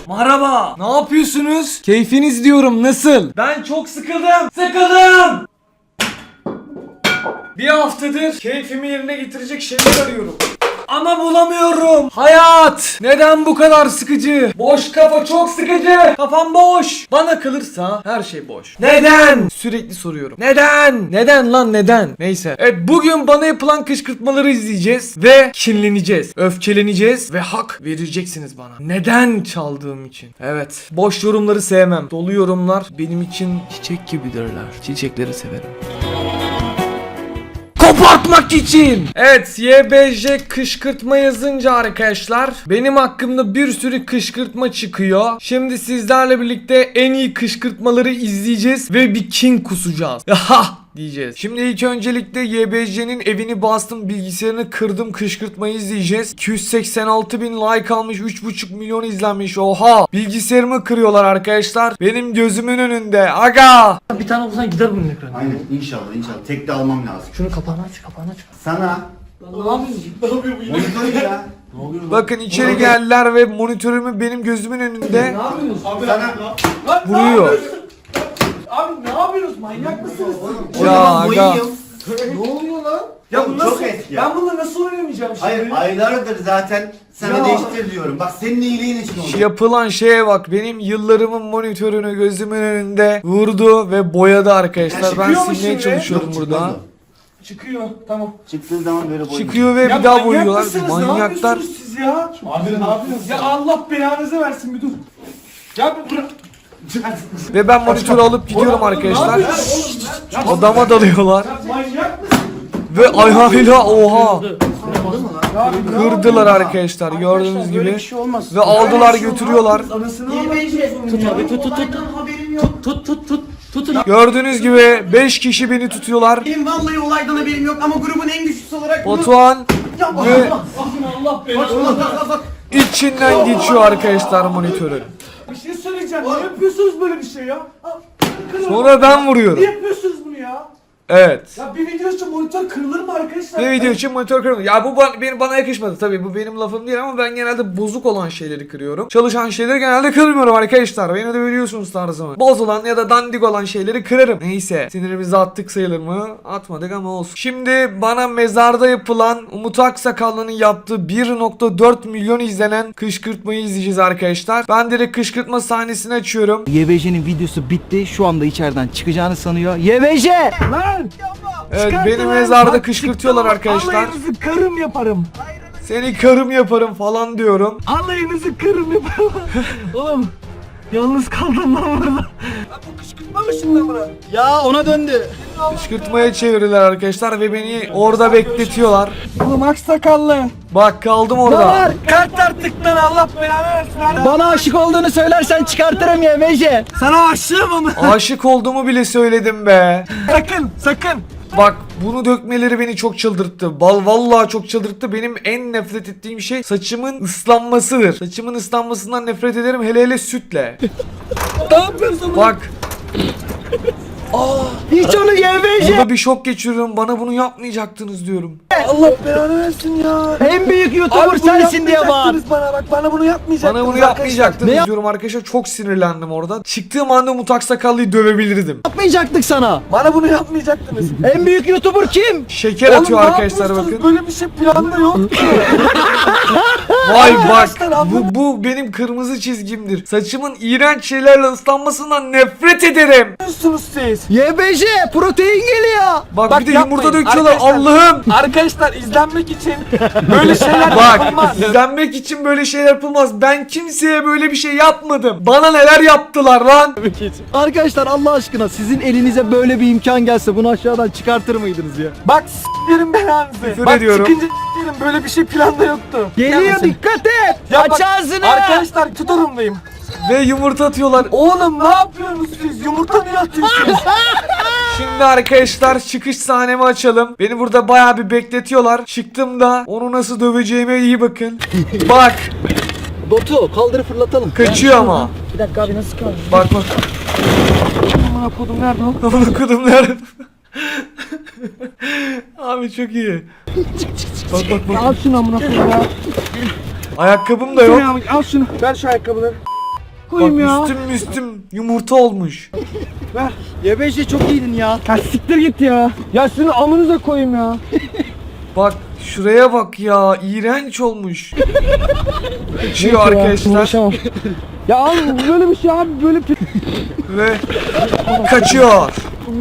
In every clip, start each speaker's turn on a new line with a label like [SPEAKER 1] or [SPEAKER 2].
[SPEAKER 1] Merhaba. Ne yapıyorsunuz? Keyfiniz diyorum, nasıl? Ben çok sıkıldım. Sıkıldım. Bir haftadır keyfimi yerine getirecek şeyler arıyorum. Ama bulamıyorum. Hayat neden bu kadar sıkıcı? Boş kafa çok sıkıcı. Kafam boş. Bana kalırsa her şey boş. Neden? Sürekli soruyorum. Neden? Neden lan neden? Neyse. Evet, bugün bana yapılan kışkırtmaları izleyeceğiz ve kinleneceğiz. Öfkeleneceğiz ve hak vereceksiniz bana. Neden çaldığım için? Evet. Boş yorumları sevmem. Dolu yorumlar benim için çiçek gibidirler. Çiçekleri severim. Kopartmak için. Evet, YBJ kışkırtma yazınca arkadaşlar benim hakkımda bir sürü kışkırtma çıkıyor. Şimdi sizlerle birlikte en iyi kışkırtmaları izleyeceğiz ve bir king kusacağız. Ha diyeceğiz. Şimdi ilk öncelikle YBJ'nin evini bastım, bilgisayarını kırdım, kışkırtmayı izleyeceğiz. 286 bin like almış, 3,5 milyon izlenmiş. Oha, bilgisayarımı kırıyorlar arkadaşlar benim gözümün önünde. Aga, bir tane olsan gider bunun ekranı.
[SPEAKER 2] Aynen, inşallah. Tek de almam lazım.
[SPEAKER 1] Şunu kapağını aç, kapağını aç.
[SPEAKER 2] Sana
[SPEAKER 1] Ne yapıyorsun? Ne yapıyor bu?
[SPEAKER 2] monitör ya.
[SPEAKER 1] Bakın içeri geldiler ve monitörümü benim gözümün önünde
[SPEAKER 3] Ne yapıyorsunuz? Abi
[SPEAKER 2] Sana
[SPEAKER 1] vuruyor.
[SPEAKER 3] Abi ne yapıyorsunuz? Manyak mısınız?
[SPEAKER 1] Ya aga.
[SPEAKER 2] boyayım.
[SPEAKER 3] Ne oluyor lan?
[SPEAKER 2] Ya
[SPEAKER 3] Ya bu nasıl?
[SPEAKER 2] çok eski ya.
[SPEAKER 3] Ben bununla nasıl oynamayacağım şimdi?
[SPEAKER 2] Hayır, aylardır zaten sana
[SPEAKER 3] Ya.
[SPEAKER 2] değiştir diyorum. Bak senin iyiliğin için oldu.
[SPEAKER 1] Yapılan şeye bak, benim yıllarımın monitörünü gözümün önünde vurdu ve boyadı arkadaşlar. Ben
[SPEAKER 3] çıkıyor mu
[SPEAKER 1] silmeye
[SPEAKER 3] şimdi?
[SPEAKER 1] çalışıyorum
[SPEAKER 2] Yok,
[SPEAKER 1] burada.
[SPEAKER 2] çıkmaz
[SPEAKER 3] Çıkıyor. Tamam.
[SPEAKER 2] o. Çıktığı zaman böyle boyayım.
[SPEAKER 1] Çıkıyor ve
[SPEAKER 3] Ya
[SPEAKER 1] bir daha
[SPEAKER 3] manyak
[SPEAKER 1] boyuyorlar.
[SPEAKER 3] mısınız? Ne
[SPEAKER 1] Manyaklar.
[SPEAKER 3] yapıyorsunuz siz ya? Abi ne yapıyorsunuz? Ya Allah belanızı versin bir dur. Ya bir bırak.
[SPEAKER 1] Ve ben monitörü alıp gidiyorum arkadaşlar. Odama dalıyorlar.
[SPEAKER 3] Ya manyak mısın?
[SPEAKER 1] Ve ayağıyla oha
[SPEAKER 3] Ya bir
[SPEAKER 1] kırdılar arkadaşlar, gördüğünüz
[SPEAKER 3] Böyle
[SPEAKER 1] gibi.
[SPEAKER 3] bir şey olmaz.
[SPEAKER 1] Ve aldılar götürüyorlar.
[SPEAKER 3] Anasını
[SPEAKER 4] Abi tut.
[SPEAKER 3] haberim yok.
[SPEAKER 4] Tutun.
[SPEAKER 1] Gördüğünüz gibi 5 kişi beni tutuyorlar.
[SPEAKER 5] Benim vallahi olaydan haberim yok ama grubun en güçlüsü olarak bunu...
[SPEAKER 1] Batuhan
[SPEAKER 5] Ya
[SPEAKER 1] ve
[SPEAKER 3] Allah belanı.
[SPEAKER 1] içinden geçiyor arkadaşlar monitörün.
[SPEAKER 3] Bir şey söyleyeceğim. Niye yapıyorsunuz böyle bir şey ya?
[SPEAKER 1] Sonra ben vuruyorum.
[SPEAKER 3] Niye yapıyorsunuz bunu ya?
[SPEAKER 1] Evet.
[SPEAKER 3] Ya bir video için monitör kırılır mı arkadaşlar?
[SPEAKER 1] Bir video için monitör kırıldı. Ya bu bana yakışmadı tabii, bu benim lafım değil ama ben genelde bozuk olan şeyleri kırıyorum. Çalışan şeyleri genelde kırmıyorum arkadaşlar. Beni de biliyorsunuz tarzımı. Bozulan ya da dandik olan şeyleri kırarım. Neyse, sinirimizi attık sayılır mı? Atmadık ama olsun. Şimdi bana mezarda yapılan Umut Aksakallı'nın yaptığı 1,4 milyon izlenen kışkırtmayı izleyeceğiz arkadaşlar. Ben direkt kışkırtma sahnesini açıyorum.
[SPEAKER 4] YBJ'nin videosu bitti. Şu anda içeriden çıkacağını sanıyor. YBJ!
[SPEAKER 3] Lan!
[SPEAKER 1] Evet, beni mezarda kışkırtıyorlar arkadaşlar.
[SPEAKER 3] Alayınızı karım yaparım.
[SPEAKER 1] Seni karım yaparım falan diyorum.
[SPEAKER 3] Alayınızı karım yaparım. Oğlum yalnız kaldım lan burada. Bu kışkırtma mı şimdi buna?
[SPEAKER 4] Ya ona döndü.
[SPEAKER 1] Kışkırtmaya çevirdiler arkadaşlar ve beni orada bekletiyorlar.
[SPEAKER 3] Oğlum aksakallı.
[SPEAKER 1] Bak kaldım orada.
[SPEAKER 3] Kart artık lan Allah belanı versin. Hadi.
[SPEAKER 4] Bana aşık olduğunu söylersen çıkartırım YBJ.
[SPEAKER 3] Sana aşığım ama.
[SPEAKER 1] Aşık olduğumu bile söyledim be.
[SPEAKER 3] Sakın.
[SPEAKER 1] Bak, bunu dökmeleri beni çok çıldırttı. Vallahi çok çıldırttı. Benim en nefret ettiğim şey saçımın ıslanmasıdır. Saçımın ıslanmasından nefret ederim, hele sütle.
[SPEAKER 3] Ne yapıyorsun?
[SPEAKER 1] Bak,
[SPEAKER 4] Hiç onu YBJ.
[SPEAKER 1] burada bir şok geçiriyorum. Bana bunu yapmayacaktınız diyorum.
[SPEAKER 3] Allah belanı versin ya.
[SPEAKER 4] En büyük YouTuber
[SPEAKER 3] Abi bunu
[SPEAKER 4] sensin diye bağır.
[SPEAKER 3] yapmayacaktınız bana bak, bana bunu yapmayacaktınız.
[SPEAKER 1] Bana bunu yapmayacaktınız diyorum arkadaşlar. Çok sinirlendim orada. Çıktığım anda Umut Aksakallı'yı dövebilirdim.
[SPEAKER 4] Yapmayacaktık sana.
[SPEAKER 3] Bana bunu yapmayacaktınız.
[SPEAKER 4] En büyük YouTuber kim?
[SPEAKER 1] Şeker atıyor
[SPEAKER 3] Oğlum, ne
[SPEAKER 1] arkadaşlar,
[SPEAKER 3] yapıyorsunuz?
[SPEAKER 1] bakın.
[SPEAKER 3] Böyle bir şey planda yok ki.
[SPEAKER 1] Vay bak,
[SPEAKER 3] Arkadaşlar, anladın
[SPEAKER 1] bu benim kırmızı çizgimdir. Saçımın iğrenç şeylerle ıslanmasından nefret ederim.
[SPEAKER 3] Ne yapıyorsunuz siz?
[SPEAKER 4] YBJ protein geliyor.
[SPEAKER 1] Bak bir de yumurta
[SPEAKER 3] yapmayın.
[SPEAKER 1] döküyorlar,
[SPEAKER 3] Arkadaşlar-
[SPEAKER 1] Allah'ım.
[SPEAKER 3] Arkadaşlar izlenmek için böyle şeyler
[SPEAKER 1] Bak,
[SPEAKER 3] yapılmaz.
[SPEAKER 1] izlenmek için böyle şeyler yapılmaz. Ben kimseye böyle bir şey yapmadım. Bana neler yaptılar lan?
[SPEAKER 4] Arkadaşlar Allah aşkına sizin elinize böyle bir imkan gelse bunu aşağıdan çıkartır mıydınız ya?
[SPEAKER 3] Bak s**lerim belanızı.
[SPEAKER 1] Küfür
[SPEAKER 3] Bak
[SPEAKER 1] ediyorum.
[SPEAKER 3] çıkınca s**lerim, böyle bir şey planda yoktu.
[SPEAKER 4] Geliyor,
[SPEAKER 3] Gelmesin.
[SPEAKER 4] dikkat et.
[SPEAKER 3] Ya
[SPEAKER 4] Aç
[SPEAKER 3] bak,
[SPEAKER 4] ağzını.
[SPEAKER 3] Arkadaşlar tutarımdayım.
[SPEAKER 1] Ve yumurta atıyorlar.
[SPEAKER 3] Oğlum ne yapıyorsunuz siz? Yumurta niye atıyorsunuz?
[SPEAKER 1] Şimdi arkadaşlar çıkış sahnemi açalım. Beni burada bayağı bir bekletiyorlar. Çıktığımda onu nasıl döveceğime iyi bakın. Bak,
[SPEAKER 4] Botu kaldırıp fırlatalım.
[SPEAKER 1] kaçıyor ama.
[SPEAKER 4] Bir dakika abi nasıl kaldı?
[SPEAKER 1] Bak.
[SPEAKER 3] Aman kodum nerede o?
[SPEAKER 1] Amına kodum nerede? Abi çok iyi. Bak.
[SPEAKER 3] Al şunu amına kodum ya.
[SPEAKER 1] Ayakkabım da yok.
[SPEAKER 3] Al şunu. Ver şu ayakkabıları. koyayım ya.
[SPEAKER 1] Üstüm yumurta olmuş.
[SPEAKER 4] Y5'e çok iyiydin ya.
[SPEAKER 3] Ya siktir git ya. Ya sizin amınıza koyayım ya.
[SPEAKER 1] Bak şuraya bak ya, iğrenç olmuş. Kaçıyor
[SPEAKER 3] Yok ya,
[SPEAKER 1] arkadaşlar
[SPEAKER 3] uğraşamam. Ya abi böyle bir şey abi böyle
[SPEAKER 1] ve kaçıyor.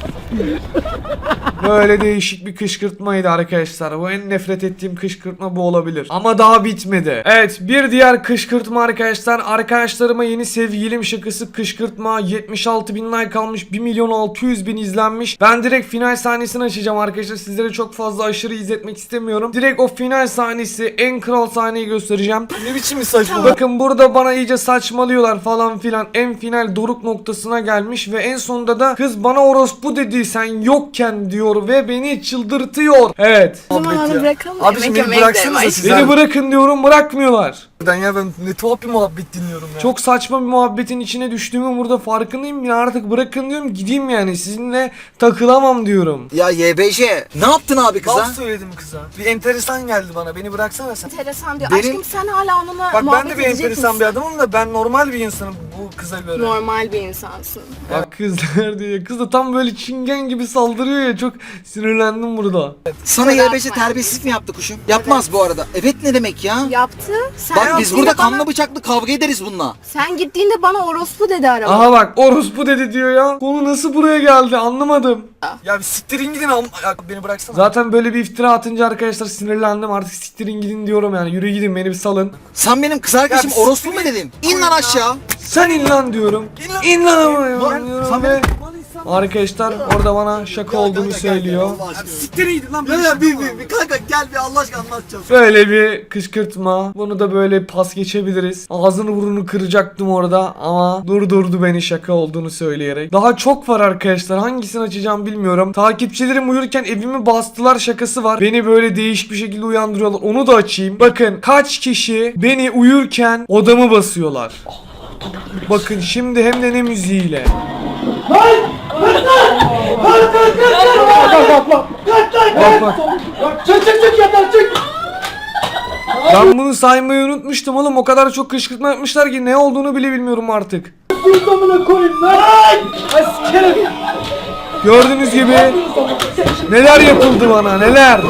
[SPEAKER 1] Böyle değişik bir kışkırtmaydı arkadaşlar. Bu en nefret ettiğim kışkırtma bu olabilir. Ama daha bitmedi. Evet, bir diğer kışkırtma arkadaşlar. Arkadaşlarıma yeni sevgilim şakası kışkırtma. 76.000 like almış. 1.600.000 izlenmiş. Ben direkt final sahnesini açacağım arkadaşlar. Sizlere çok fazla aşırı izletmek istemiyorum. Direkt o final sahnesi, en kral sahneyi göstereceğim. Ne biçim bir saçma. Bakın burada bana iyice saçmalıyorlar falan filan. En final doruk noktasına gelmiş ve en sonunda da kız bana orospu dedi sen yokken diyor ve beni çıldırtıyor. Evet.
[SPEAKER 6] O zaman onu bırakalım.
[SPEAKER 1] Abiciğim
[SPEAKER 6] Yemek
[SPEAKER 1] beni
[SPEAKER 6] yemeye
[SPEAKER 1] bıraksanıza
[SPEAKER 6] gidelim.
[SPEAKER 1] siz. Beni bırakın diyorum, bırakmıyorlar.
[SPEAKER 7] Ya ben ne tuhaf bir muhabbet dinliyorum ya.
[SPEAKER 1] Çok saçma bir muhabbetin içine düştüğümü burada farkındayım ya, artık bırakın diyorum, gideyim yani, sizinle takılamam diyorum.
[SPEAKER 7] Ya YBC ne yaptın abi kıza?
[SPEAKER 1] Laf söyledim kıza. Bir enteresan geldi bana, beni bıraksana sen.
[SPEAKER 6] Enteresan diyor.
[SPEAKER 7] Benim-
[SPEAKER 6] Aşkım sen hala onunla
[SPEAKER 1] Bak ben
[SPEAKER 6] muhabbet
[SPEAKER 1] de bir
[SPEAKER 6] edecek
[SPEAKER 1] enteresan
[SPEAKER 6] misin?
[SPEAKER 1] bir adamım da ben normal bir insanım bu kıza göre.
[SPEAKER 6] Normal bir insansın.
[SPEAKER 1] Bak kızlar diyor. Kız da tam böyle çingen gibi saldırıyor ya, çok sinirlendim burada.
[SPEAKER 7] Sana
[SPEAKER 6] Kusura
[SPEAKER 7] YBC
[SPEAKER 6] bakma.
[SPEAKER 7] terbiyesizlik mi yaptı kuşum? Yapmaz bu arada. Evet ne demek ya?
[SPEAKER 6] Yaptı. Sen
[SPEAKER 7] Bak biz
[SPEAKER 6] gittiğinde
[SPEAKER 7] burada
[SPEAKER 6] bana-
[SPEAKER 7] kanlı bıçaklı kavga ederiz bununla.
[SPEAKER 6] Sen gittiğinde bana orospu dedi araba.
[SPEAKER 1] Aha bak orospu dedi diyor ya. Konu nasıl buraya geldi anlamadım.
[SPEAKER 7] Ya bir siktirin gidin beni bıraksana.
[SPEAKER 1] Zaten böyle bir iftira atınca arkadaşlar sinirlendim, artık siktirin gidin diyorum yani, yürü gidin beni bir salın.
[SPEAKER 7] Sen benim kız arkadaşım
[SPEAKER 1] Ya
[SPEAKER 7] orospu mu dedin? İn lan aşağı.
[SPEAKER 1] Sen in lan diyorum. İn lan ama ya
[SPEAKER 7] Lan,
[SPEAKER 1] diyorum
[SPEAKER 7] sen
[SPEAKER 1] ve arkadaşlar orada bana şaka olduğunu söylüyor.
[SPEAKER 7] Siktirin gidin lan. Ya bir kanka gel bir Allah aşkına anlatacağım.
[SPEAKER 1] Böyle bir kışkırtma. Bunu da böyle pas geçebiliriz. Ağzını burnunu kıracaktım orada ama durdurdu beni şaka olduğunu söyleyerek. Daha çok var arkadaşlar. Hangisini açacağım bilmiyorum. Takipçilerim uyurken evimi bastılar şakası var. Beni böyle değişik bir şekilde uyandırıyorlar. Onu da açayım. Bakın kaç kişi beni uyurken odamı basıyorlar. Bakın şimdi hem de ne müziğiyle. Bak bak.
[SPEAKER 3] Çık yeter çık.
[SPEAKER 1] Ben bunu saymayı unutmuştum oğlum. O kadar çok kışkırtma yapmışlar ki ne olduğunu bile bilmiyorum artık.
[SPEAKER 3] Amına koyayım lan. Askerim.
[SPEAKER 1] Gördüğünüz gibi neler yapıldı bana, neler.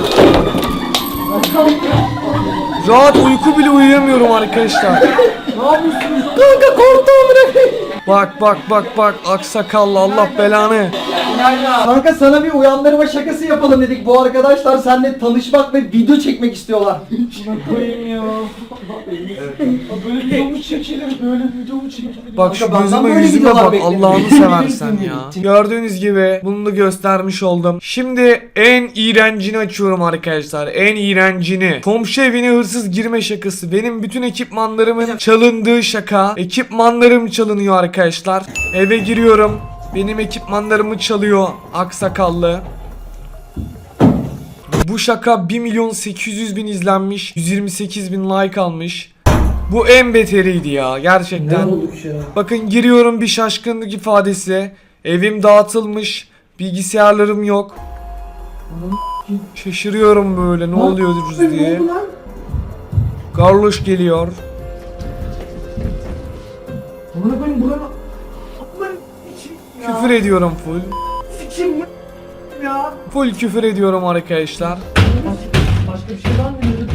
[SPEAKER 1] Rahat uyku bile uyuyamıyorum arkadaşlar.
[SPEAKER 3] Kanka korktum amına koyayım.
[SPEAKER 1] Bak aksakallı, Allah belanı.
[SPEAKER 4] Kanka sana bir uyandırma şakası yapalım dedik. Bu arkadaşlar seninle tanışmak ve video çekmek istiyorlar.
[SPEAKER 3] Koyayım ya. Böyle video mu çekilir? Böyle video mu çekilir?
[SPEAKER 1] Bak şu
[SPEAKER 4] Kanka, benden
[SPEAKER 1] gözüme
[SPEAKER 4] böyle
[SPEAKER 1] yüzüme
[SPEAKER 4] videolar
[SPEAKER 1] bak,
[SPEAKER 4] bekledim.
[SPEAKER 1] Allah'ını seversen ya. Gördüğünüz gibi bunu da göstermiş oldum. Şimdi en iğrencini açıyorum arkadaşlar. En iğrencini. Komşu evine hırsız girme şakası. Benim bütün ekipmanlarımın çalındığı şaka. Ekipmanlarım çalınıyor arkadaşlar. Eve giriyorum. Benim ekipmanlarımı çalıyor aksakallı. Bu şaka 1.800.000 izlenmiş. 128.000 like almış. Bu en beteriydi ya gerçekten. Bakın giriyorum, bir şaşkınlık ifadesi. Evim dağıtılmış. Bilgisayarlarım yok. Şaşırıyorum böyle, ne oluyor diye. Garloş geliyor.
[SPEAKER 3] Amına koyayım buranın.
[SPEAKER 1] Küfür ediyorum full.
[SPEAKER 3] Sikim ya.
[SPEAKER 1] Full küfür ediyorum arkadaşlar.
[SPEAKER 3] Başka bir şey var mı?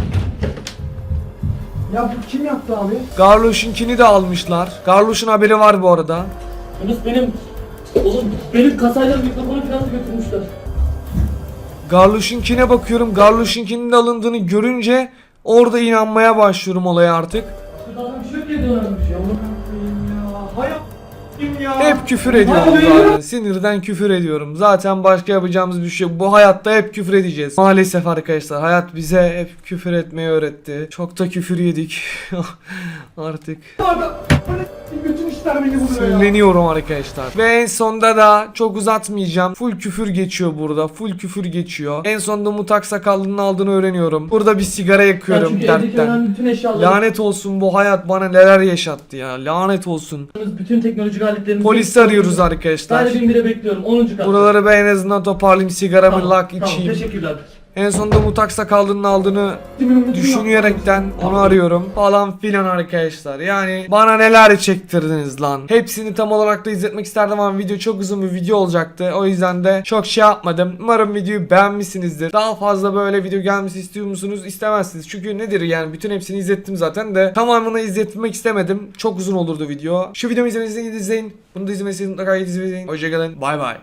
[SPEAKER 3] Ya bu kim yaptı abi?
[SPEAKER 1] Garloş'unkini de almışlar. Garloş'un haberi var bu arada.
[SPEAKER 3] Yunus benim kasayla mikrofonu falan götürmüşler.
[SPEAKER 1] Garloş'unkine bakıyorum. Garloş'unkinin de alındığını görünce orada inanmaya başlıyorum olaya artık.
[SPEAKER 3] Daha bir şey ediyorlarmış ya. Amına koyayım ya. Hayat ya.
[SPEAKER 1] Hep küfür ediyorum zaten. Sinirden küfür ediyorum. Zaten başka yapacağımız bir şey yok. Bu hayatta hep küfür edeceğiz. Maalesef arkadaşlar. Hayat bize hep küfür etmeyi öğretti. Çok da küfür yedik. Artık
[SPEAKER 3] Bütün işler beni buluyor ya.
[SPEAKER 1] sinirleniyorum arkadaşlar. Ve en sonda da çok uzatmayacağım. Full küfür geçiyor burada. Full küfür geçiyor. En sonunda Mutak Sakallı'nın aldığını öğreniyorum. Burada bir sigara yakıyorum
[SPEAKER 3] Çünkü evdeki
[SPEAKER 1] dertten.
[SPEAKER 3] önemli bütün eşyaları,
[SPEAKER 1] Lanet olsun, bu hayat bana neler yaşattı ya. Lanet olsun.
[SPEAKER 3] bütün teknolojik aletlerimizi...
[SPEAKER 1] Polisi arıyoruz arkadaşlar.
[SPEAKER 3] Sadece 1000 lira bekliyorum 10. kat.
[SPEAKER 1] Buraları ben en azından toparlayayım, sigaramı
[SPEAKER 3] Tamam,
[SPEAKER 1] lak
[SPEAKER 3] tamam,
[SPEAKER 1] içeyim.
[SPEAKER 3] teşekkürler.
[SPEAKER 1] En sonunda Mutak Sakallı'nın aldığını düşünerekten onu arıyorum falan filan arkadaşlar. Yani bana neler çektirdiniz lan. Hepsini tam olarak da izletmek isterdim ama video çok uzun bir video olacaktı. O yüzden de çok şey yapmadım. Umarım videoyu beğenmişsinizdir. Daha fazla böyle video gelmesi istiyor musunuz? İstemezsiniz. Çünkü nedir yani, bütün hepsini izlettim zaten de tamamını izletmek istemedim. Çok uzun olurdu video. Şu videomu izlemenizi izleyin. Bunu da izlemenizi mutlaka izleyin. Hoşçakalın. Bay bay.